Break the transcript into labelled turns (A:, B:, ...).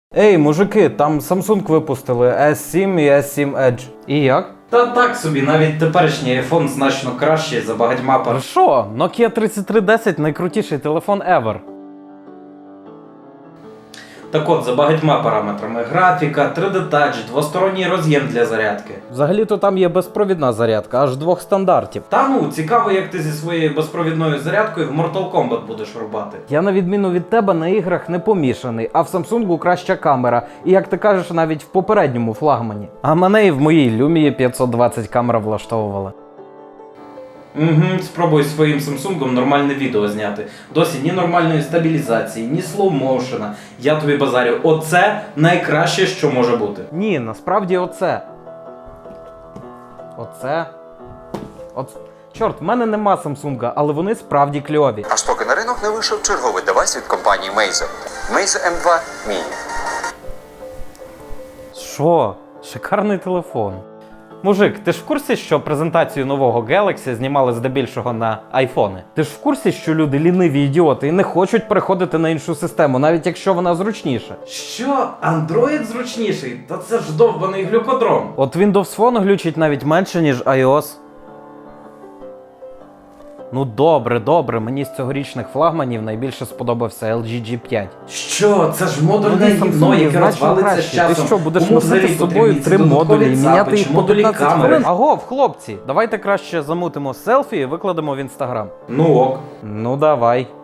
A: Ей, мужики, там Samsung випустили S7 і S7 Edge. І як?
B: Та так собі, навіть теперішній iPhone значно кращий за багатьма пар.
A: Що? Nokia 3310 найкрутіший телефон ever.
B: Так от, за багатьма параметрами: графіка, 3D Touch, двосторонній роз'єм для зарядки.
A: Взагалі-то там є безпровідна зарядка, аж двох стандартів.
B: Та ну, цікаво, як ти зі своєю безпровідною зарядкою в Mortal Kombat будеш рубати.
A: Я на відміну від тебе на іграх не помішаний, а в Samsung краща камера. І як ти кажеш, навіть в попередньому флагмані. А мене і в моїй Lumia 520 камера влаштовувала.
B: Спробуй своїм Samsung нормальне відео зняти. Досі ні нормальної стабілізації, ні слоу-моушена. Я тобі базарю, оце найкраще, що може бути.
A: Ні, насправді оце. Чорт, в мене нема Samsung, але вони справді кльові.
C: Аж поки на ринок не вийшов черговий девайс від компанії Meizu. Meizu M2 Mini.
A: Що? Шикарний телефон. Мужик, ти ж в курсі, що презентацію нового Galaxy знімали здебільшого на айфони? Ти ж в курсі, що люди ліниві ідіоти і не хочуть переходити на іншу систему, навіть якщо вона зручніша?
B: Що? Android зручніший? Та це ж довбаний глюкодром.
A: От Windows Phone глючить навіть менше, ніж iOS. Ну добре, мені з цьогорічних флагманів найбільше сподобався LG G5.
B: Що? Це ж модульне гівно, яке розвалиться з часом.
A: Ти що, будеш
B: Кому
A: носити
B: взагалі
A: з собою
B: потрібні ці
A: 3 модулі і
B: додаткові
A: міняти
B: цапи
A: їх
B: чи
A: по
B: модулі
A: 15
B: камери?
A: хвилин? Агов, хлопці, давайте краще замутимо селфі і викладемо в Інстаграм.
B: Ну ок.
A: Ну давай.